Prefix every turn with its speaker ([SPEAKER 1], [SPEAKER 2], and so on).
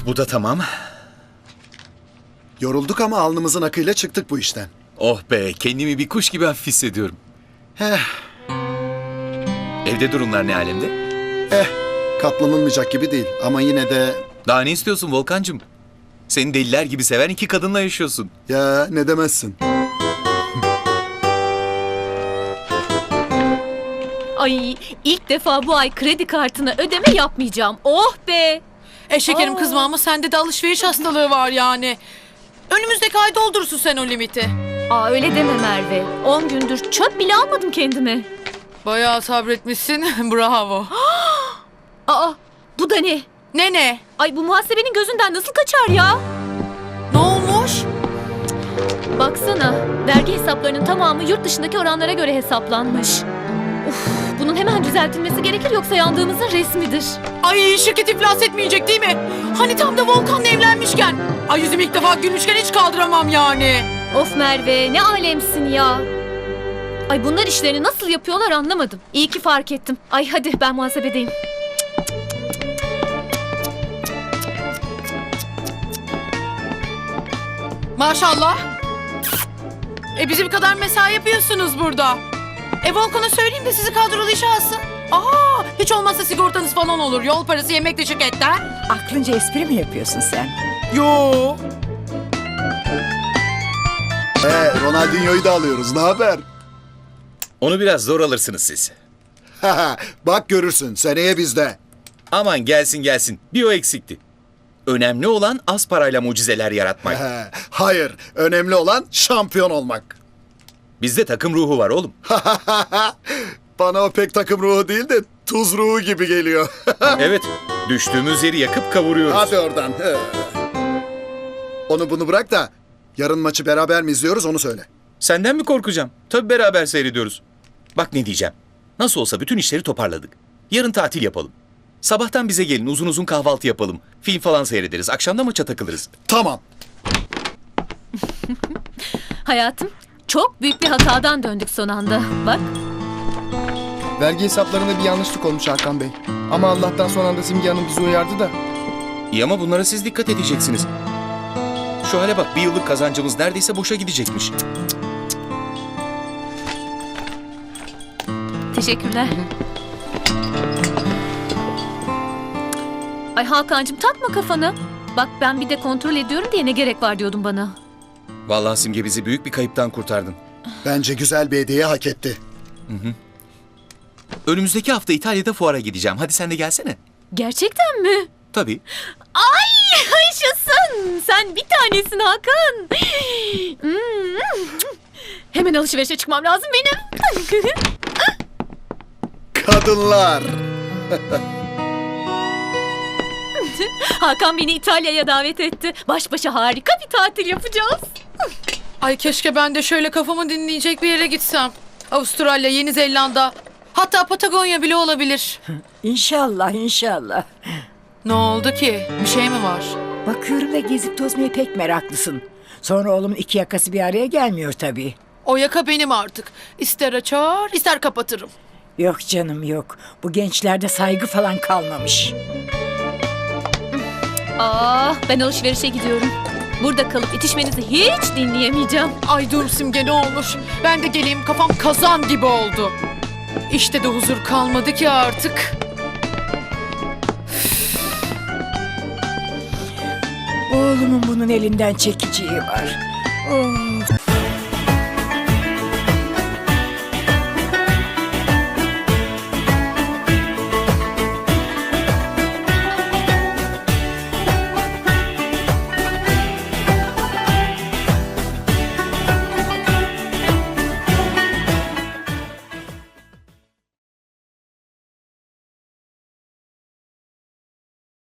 [SPEAKER 1] Bu da tamam.
[SPEAKER 2] Yorulduk ama alnımızın akıyla çıktık bu işten.
[SPEAKER 1] Oh be, kendimi bir kuş gibi hafif hissediyorum.
[SPEAKER 2] Heh,
[SPEAKER 1] Evde durumlar ne alemde?
[SPEAKER 2] katlanılmayacak gibi değil ama yine de...
[SPEAKER 1] Daha ne istiyorsun Volkancığım? Seni deliler gibi seven iki kadınla yaşıyorsun.
[SPEAKER 2] Ya ne demezsin.
[SPEAKER 3] Ay ilk defa bu ay kredi kartına ödeme yapmayacağım. Oh be!
[SPEAKER 4] Şekerim
[SPEAKER 3] Aa.
[SPEAKER 4] kızma ama sende de alışveriş hastalığı var yani. Önümüzdeki ay doldurursun sen o limiti.
[SPEAKER 3] Aa öyle deme Merve. 10 gündür çöp bile almadım kendime.
[SPEAKER 4] Bayağı sabretmişsin. Bravo.
[SPEAKER 3] Aa bu da ne?
[SPEAKER 4] Ne?
[SPEAKER 3] Ay bu muhasebenin gözünden nasıl kaçar ya?
[SPEAKER 4] Ne olmuş?
[SPEAKER 3] Baksana vergi hesaplarının tamamı yurt dışındaki oranlara göre hesaplanmış. Uf, bunun hemen düzeltilmesi gerekir yoksa yandığımızın resmidir.
[SPEAKER 4] Ay şirket iflas etmeyecek değil mi? Hani tam da Volkan'la evlenmişken. Ay yüzüm ilk defa gülmüşken hiç kaldıramam yani.
[SPEAKER 3] Of Merve ne alemsin ya. Ay bunlar işlerini nasıl yapıyorlar anlamadım. İyi ki fark ettim. Ay hadi ben muhasebedeyim.
[SPEAKER 4] Maşallah. Bizim kadar mesai yapıyorsunuz burada. Volkan'a söyleyeyim de sizi kadrolu işe alsın. Hiç olmazsa sigortanız falan olur. Yol parası yemekle şirketten.
[SPEAKER 5] Aklınca espri mi yapıyorsun sen?
[SPEAKER 4] Yo.
[SPEAKER 2] Ronaldinho'yu da alıyoruz. Ne haber?
[SPEAKER 1] Onu biraz zor alırsınız siz.
[SPEAKER 2] Bak görürsün seneye bizde.
[SPEAKER 1] Aman gelsin. Bir o eksikti. Önemli olan az parayla mucizeler yaratmak.
[SPEAKER 2] Hayır, önemli olan şampiyon olmak.
[SPEAKER 1] Bizde takım ruhu var oğlum.
[SPEAKER 2] Bana o pek takım ruhu değil de tuz ruhu gibi geliyor.
[SPEAKER 1] Evet, düştüğümüz yeri yakıp kavuruyoruz.
[SPEAKER 2] Hadi oradan. Onu bunu bırak da yarın maçı beraber mi izliyoruz onu söyle.
[SPEAKER 1] Senden mi korkacağım? Tabii beraber seyrediyoruz. Bak ne diyeceğim. Nasıl olsa bütün işleri toparladık. Yarın tatil yapalım. Sabahtan bize gelin, uzun uzun kahvaltı yapalım. Film falan seyrederiz. Akşam da maça takılırız.
[SPEAKER 2] Tamam.
[SPEAKER 3] Hayatım çok büyük bir hatadan döndük son anda. Bak
[SPEAKER 6] Vergi hesaplarında bir yanlışlık olmuş Hakan Bey. Ama Allah'tan son anda Simge Hanım bizi uyardı da.
[SPEAKER 1] İyi ama bunlara siz dikkat edeceksiniz. Şu hale bak, bir yıllık kazancımız neredeyse boşa gidecekmiş.
[SPEAKER 3] teşekkürler. Ay Hakan'cığım takma kafanı. Bak ben bir de kontrol ediyorum diye ne gerek var diyordun bana.
[SPEAKER 1] Vallahi Simge bizi büyük bir kayıptan kurtardın.
[SPEAKER 2] Bence güzel bir hediye hak etti.
[SPEAKER 1] Önümüzdeki hafta İtalya'da fuara gideceğim. Hadi sen de gelsene.
[SPEAKER 3] Gerçekten mi?
[SPEAKER 1] Tabii.
[SPEAKER 3] Ay yaşasın. Sen bir tanesin Hakan. Hemen alışverişe çıkmam lazım benim.
[SPEAKER 2] Kadınlar.
[SPEAKER 3] Hakan beni İtalya'ya davet etti. Baş başa harika bir tatil yapacağız.
[SPEAKER 4] Ay keşke ben de şöyle kafamı dinleyecek bir yere gitsem. Avustralya, Yeni Zelanda, hatta Patagonya bile olabilir.
[SPEAKER 5] İnşallah, inşallah.
[SPEAKER 4] Ne oldu ki? Bir şey mi var?
[SPEAKER 5] Bakıyorum da gezip tozmaya pek meraklısın. Sonra oğlumun iki yakası bir araya gelmiyor tabii.
[SPEAKER 4] O yaka benim artık. İster açar, ister kapatırım.
[SPEAKER 5] Yok canım yok. Bu gençlerde saygı falan kalmamış.
[SPEAKER 3] Ben alışverişe gidiyorum. Burada kalıp itişmenizi hiç dinleyemeyeceğim.
[SPEAKER 4] Ay dur Simge ne olur. Ben de geleyim, kafam kazan gibi oldu. İşte de huzur kalmadı ki artık.
[SPEAKER 5] Oğlumun bunun elinden çekeceği var. Oh.